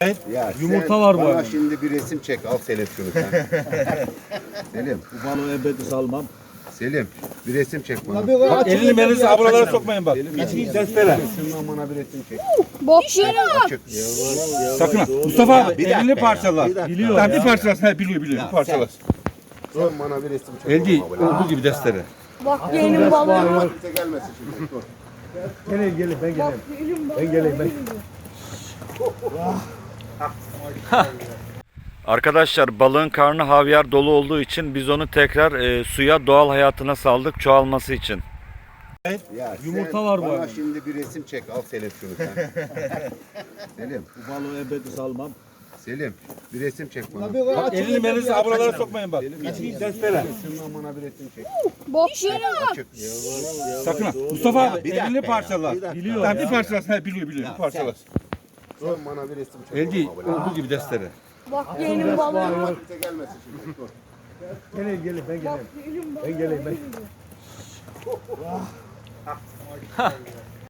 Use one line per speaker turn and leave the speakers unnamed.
Ya
Yumurta
sen
var bu
bana
arada.
şimdi bir resim çek. Al Selim şunu sen. Selim,
Bu balığı ebedi salmam.
Selim bir resim çek bana.
Bak elini melinizi aburalara sokmayın bak.
Selim,
Geçin testere.
şundan bana bir resim çek.
Bok yeni bak.
Açık.
Sakın ha. Mustafa abi
bir dakika
elini
ya,
parçalar.
bir dakika.
Biliyor ya. Bir parçalasın. He biliyor biliyor. Bir parçalasın.
Sen bana bir resim çek.
El değil.
oğlum abi.
Olduğu gibi testere.
Bak yeni balığı.
Kimse gelmesin şimdi. Dur.
Gelin ben geleyim. Ben geleyim ben.
Arkadaşlar balığın karnı havyar dolu olduğu için biz onu tekrar suya doğal hayatına saldık çoğalması için.
Ya
Yumurta
sen
var bu
bana
arada.
şimdi bir resim çek. Al Selim şunu sen. Selim,
Bu balığı ebedi salmam.
Selim bir resim çek bana.
Bak elini melinizi aburalara sokmayın bak. Geçin testere.
Şundan bana bir resim çek.
Bok yeni bak.
Açık.
Sakın ha. Mustafa abi
bir dakika
elini
ya,
parçalar.
bir dakika.
Biliyor ya. Bir parçalasın. He biliyor biliyor. Bir parçalasın.
Sen bana bir resim çek.
El değil.
oğlum abi.
Olduğu gibi testere.
Bak yeni balığı.
Kimse gelmesin şimdi. Dur.
Gelin ben geleyim. Ben geleyim ben.